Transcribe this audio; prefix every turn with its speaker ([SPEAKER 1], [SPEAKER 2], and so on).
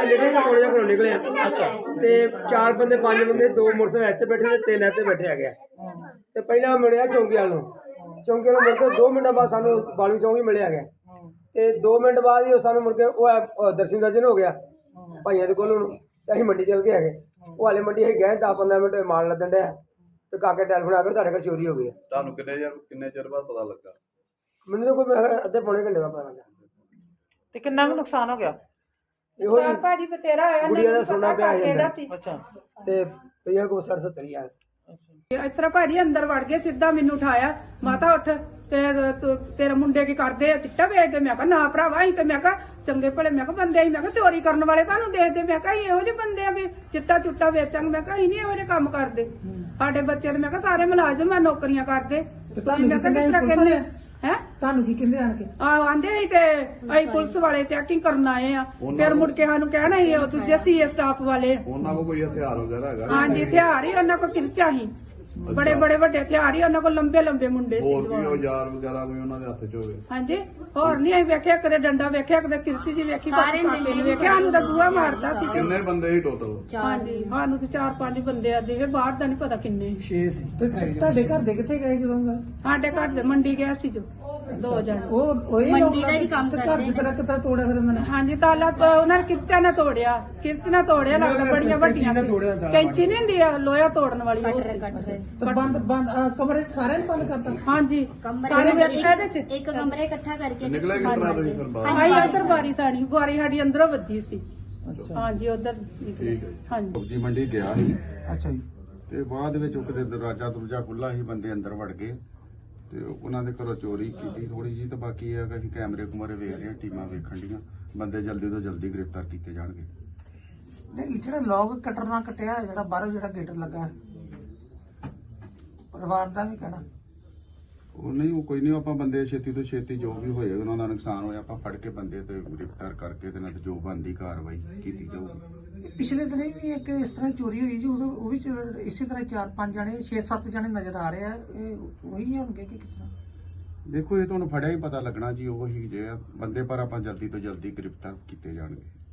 [SPEAKER 1] ਨਿਕਲੇ ਪੌਣੇ ਜਿਹਾ ਘਰੋਂ ਨਿਕਲੇ ਅੱਛਾ ਤੇ 4 ਬੰਦੇ 5 ਬੰਦੇ 2 ਮੋਟਰਸਾਈਕਲ ਇੱਥੇ ਬੈਠੇ ਤੇ 3 ਇੱਥੇ ਬੈਠੇ ਹੈਗੇ ਤੇ ਪਹਿਲਾਂ ਮਿਲਿਆ ਚੌਂਕੀ ਵਾਲ ਨੂੰ ਮੁੜ ਕੇ 2 ਮਿੰਟਾਂ ਬਾਅਦ ਸਾਨੂੰ ਬਾਲੂ ਚੌਂਕੀ ਮਿਲਿਆ ਗਿਆ ਤੇ 2 ਮਿੰਟ ਬਾਅਦ ਹੀ ਸਾਨੂੰ ਮੁੜ ਕੇ ਉਹ ਦਰਸ਼ਨ ਹੋ ਗਿਆ ਭਾਈਆਂ ਦੇ ਕੋਲ ਨੂੰ ਤੇ ਅਸੀਂ ਮੰਡੀ ਚਲ ਗਏ ਹੈਗੇ ਉਹ ਹਾਲੇ ਮੰਡੀ ਅਸੀਂ ਗਏ 10-15 ਮਿੰਟ ਮਾਲ ਲੱਦਣ ਡਿਆ ਤੇ ਕਾਕੇ ਟੈਲੀਫੋਨ ਆ ਕੇ ਤੁਹਾਡੇ ਘਰ ਚੋਰੀ ਹੋ ਗਈ
[SPEAKER 2] ਤੁਹਾਨੂੰ ਕਿੰਨੇ ਚਿਰ ਬਾਅਦ ਪਤਾ ਲੱਗਾ?
[SPEAKER 1] ਮੈਨੂੰ ਤਾਂ ਕੋਈ ਅੱਧੇ ਪੌਣੇ ਘੰਟੇ ਦਾ ਪਤਾ ਲੱਗਾ।
[SPEAKER 3] ਤੇ ਕਿੰਨਾ ਕੁ ਨੁਕਸਾਨ ਹੋ ਗਿਆ?
[SPEAKER 1] ਇਹੋ ਹੀ
[SPEAKER 4] ਭਾਜੀ ਬਤੇਰਾ ਹੋਇਆ
[SPEAKER 1] ਗੁੜੀਆ ਦਾ ਸੋਨਾ ਪਿਆ ਜਾਂਦਾ
[SPEAKER 3] ਅੱਛਾ
[SPEAKER 1] ਤੇ ਪਿਆ ਕੋ 60-70 ਆ
[SPEAKER 4] ਇਸ ਤਰ੍ਹਾਂ ਭਾਜੀ ਅੰਦਰ ਵੜ ਗਏ ਸਿੱਧਾ ਮੈਨੂੰ ਉਠਾਇਆ ਮਾਤਾ ਉੱਠ ਤੇ ਤੇਰੇ ਮੁੰਡੇ ਕੀ ਕਰਦੇ ਆ ਚਿੱਟਾ ਵੇਚਦੇ ਮੈਂ ਕਿਹਾ ਨਾ ਭਰਾਵਾ ਅਸੀਂ ਤੇ ਮੈਂ ਕਿਹਾ ਚੰਗੇ ਭਲੇ ਮੈਂ ਕਿਹਾ ਬੰਦੇ ਅਸੀਂ ਮੈਂ ਕਿਹਾ ਚੋਰੀ ਕਰਨ ਵਾਲੇ ਤੁਹਾਨੂੰ ਦੇਖਦੇ ਮੈਂ ਕਿਹਾ ਇਹੋ ਜਿਹੇ ਬੰਦੇ ਆ ਵੀ ਚਿੱਟਾ ਚੁੱਟਾ ਵੇਚਾਂਗੇ ਮੈਂ ਕਿਹਾ ਅਸੀਂ ਨਹੀਂ ਇਹੋ ਜਿਹੇ ਕੰਮ ਕਰਦੇ ਸਾਡੇ ਬੱਚੇ ਤੇ ਮੈਂ ਕਿਹਾ ਸਾਰੇ ਮੁਲਾਜ਼ਮ ਆ ਨੌਕਰੀਆਂ ਕਰਦੇ ਮੈਂ ਕਿਹਾ ਕਿਸ ਤਰ੍ਹਾਂ ਕਹਿੰਦੇ ਹੈ
[SPEAKER 5] ਤੁਹਾਨੂੰ ਕੀ ਕਹਿੰਦੇ ਆਣ ਕੇ
[SPEAKER 4] ਆਂਦੇ ਸੀ ਤੇ ਅਸੀਂ ਪੁਲਿਸ ਵਾਲੇ ਚੈਕਿੰਗ ਕਰਨ ਆਏ ਆ ਫਿਰ ਮੁੜ ਕੇ ਸਾਨੂੰ ਕਹਿਣਾ ਸੀ ਉਹ ਦੂਜੇ ਸੀਏ ਸਟਾਫ ਵਾਲੇ
[SPEAKER 2] ਉਹਨਾਂ ਕੋਲ ਕੋਈ ਹਥਿਆਰ ਵਗੈਰਾ ਹੈਗਾ?
[SPEAKER 4] ਹਾਂਜੀ ਹਥਿਆਰ ਹੀ ਉਹਨਾਂ ਕੋਲ ਕਿਰਚਾ ਸੀ ਬੜੇ ਬੜੇ ਵੱਡੇ ਹਥਿਆਰ ਹੀ ਉਹਨਾਂ ਕੋਲ ਲੰਬੇ ਲੰਬੇ ਮੁੰਡੇ ਸੀ
[SPEAKER 2] ਹੋਰ ਵੀ ਔਜ਼ਾਰ ਵਗੈਰਾ ਕੋਈ ਉਹਨਾਂ ਦੇ ਹੱਥ 'ਚ ਹੋਵੇ?
[SPEAKER 4] ਹਾਂਜੀ ਹੋਰ ਨਹੀਂ ਅਸੀਂ ਵੇਖਿਆ ਕਦੇ ਡੰਡਾ ਵੇਖਿਆ ਕਦੇ ਕਿਰਚੀ ਜੀ ਵੇਖੀ ਕਾਕੇ ਨੂੰ ਵੇਖਿਆ ਸਾਨੂੰ ਤਾਂ ਬੂਹਾ ਮਾਰਦਾ ਸੀ
[SPEAKER 2] ਕਿੰਨੇ ਬੰਦੇ ਸੀ ਟੋਟਲ?
[SPEAKER 4] ਹਾਂਜੀ ਸਾਨੂੰ ਤੇ 4-5 ਬੰਦੇ ਆ ਜਿਵੇਂ ਬਾਹਰ ਦਾ ਨਹੀਂ ਪਤਾ ਕਿੰਨੇ
[SPEAKER 1] 6 ਸੀ
[SPEAKER 5] ਤੇ ਤੁਹਾਡੇ ਘਰ ਦੇ ਕਿੱਥੇ ਗਏ ਜਦੋਂ ਗਾ
[SPEAKER 4] ਸਾਡੇ ਘਰ ਦੇ ਮੰਡੀ ਗਿਆ ਸੀ ਜੋ 2 ਜਣੇ
[SPEAKER 5] ਉਹ ਇਹ ਲੋਕ ਘਰ ਦੀ ਤਰ੍ਹਾਂ ਤੋੜਿਆ ਫਿਰ ਉਹਨਾਂ ਨੇ
[SPEAKER 4] ਹਾਂਜੀ ਤਾਲਾ ਉਹਨਾਂ ਨੇ ਕਿਰਚਾ ਨਾਲ ਤੋੜਿਆ ਕਿਰਚ ਨਾਲ ਤੋੜਿਆ ਲੱਗਦਾ ਬੜੀਆਂ ਵੱਡੀਆਂ ਕੈਂਚੀ ਨਹੀਂ ਹੁੰਦੀ ਆ ਲੋਹਾ ਤੋੜਨ ਵਾਲੀ ਉਹ ਸੀ।
[SPEAKER 5] ਤੇ ਬੰਦ ਕਮਰੇ ਸਾਰਿਆਂ ਨੂੰ ਬੰਦ ਕਰਤਾ
[SPEAKER 4] ਹਾਂਜੀ ਸਾਰੇ ਵੇਖਿਆ ਇਹਦੇ ਚ
[SPEAKER 6] ਇੱਕ ਕਮਰੇ ਇਕੱਠਾ ਕਰਕੇ
[SPEAKER 2] ਨਿਕਲੇ ਕਿਸ ਤਰ੍ਹਾਂ ਤੁਸੀਂ ਫਿਰ ਬਾਹਰ?
[SPEAKER 4] ਆਈ ਉਧਰ ਬਾਰੀ ਸਾਡੀ ਅੰਦਰੋਂ ਵੱਜੀ ਸੀ ਹਾਂਜੀ ਉਧਰ
[SPEAKER 2] ਠੀਕ ਹੈ ਜੀ।
[SPEAKER 4] ਹਾਂਜੀ
[SPEAKER 7] ਸਬਜ਼ੀ ਮੰਡੀ ਗਿਆ ਸੀ
[SPEAKER 5] ਅੱਛਾ ਜੀ
[SPEAKER 7] ਤੇ ਬਾਅਦ ਵਿੱਚ ਉਹ ਕਿਤੇ ਦਰਵਾਜ਼ਾ ਖੁੱਲਾ ਸੀ ਬੰਦੇ ਅੰਦਰ ਵੜ ਗਏ ਤੇ ਉਹਨਾਂ ਦੇ ਘਰੋਂ ਚੋਰੀ ਕੀਤੀ ਥੋੜੀ ਜੀ ਤੇ ਬਾਕੀ ਇਹ ਹੈ ਕਿ ਅਸੀਂ ਕੈਮਰੇ ਕੁਮਰੇ ਵੇਖ ਰਹੇ ਹਾਂ ਟੀਮਾਂ ਵੇਖਣ ਡੀਆਂ ਬੰਦੇ ਜਲਦੀ ਤੋਂ ਜਲਦੀ ਗ੍ਰਿਫਤਾਰ ਕੀਤੇ ਜਾਣਗੇ।
[SPEAKER 5] ਨਹੀਂ ਜਿਹੜਾ ਲੋਕ ਕਟਰ ਨਾਲ ਕਟਿਆ ਜਿਹੜਾ ਬਾਹਰੋਂ ਜਿਹੜਾ ਗੇਟ ਲੱਗਾ ਪਰਿਵਾਰ ਦਾ ਵੀ ਕਹਿਣਾ
[SPEAKER 7] ਉਹ ਨਹੀਂ ਉਹ ਕੋਈ ਨਹੀਂ ਆਪਾਂ ਬੰਦੇ ਛੇਤੀ ਤੋਂ ਛੇਤੀ ਜੋ ਵੀ ਹੋਏਗਾ ਉਹਨਾਂ ਦਾ ਨੁਕਸਾਨ ਹੋਇਆ ਆਪਾਂ ਫੜ ਕੇ ਬੰਦੇ ਤੇ ਗ੍ਰਿਫਤਾਰ ਕਰਕੇ ਤੇ ਨਾਲ ਜੋ ਬਣਦੀ ਕਾਰਵਾਈ ਕੀਤੀ ਜਾਊਗੀ।
[SPEAKER 5] ਪਿਛਲੇ ਦਿਨ ਵੀ ਇੱਕ ਇਸ ਤਰ੍ਹਾਂ ਚੋਰੀ ਹੋਈ ਜੀ ਉਦੋਂ ਉਹ ਵੀ ਇਸੇ ਤਰ੍ਹਾਂ 4-5 ਜਣੇ 6-7 ਜਣੇ ਨਜ਼ਰ ਆ ਰਹੇ ਆ ਇਹ ਉਹੀ ਹੋਣਗੇ ਕਿ ਕਿਸ ਤਰ੍ਹਾਂ?
[SPEAKER 7] ਦੇਖੋ ਇਹ ਤੁਹਾਨੂੰ ਫੜਿਆ ਹੀ ਪਤਾ ਲੱਗਣਾ ਜੀ ਉਹ ਹੀ ਜੇ ਬੰਦੇ ਪਰ ਆਪਾਂ ਜਲਦੀ ਤੋਂ ਜਲਦੀ ਗ੍ਰਿਫਤਾਰ ਕੀਤੇ ਜਾਣਗੇ।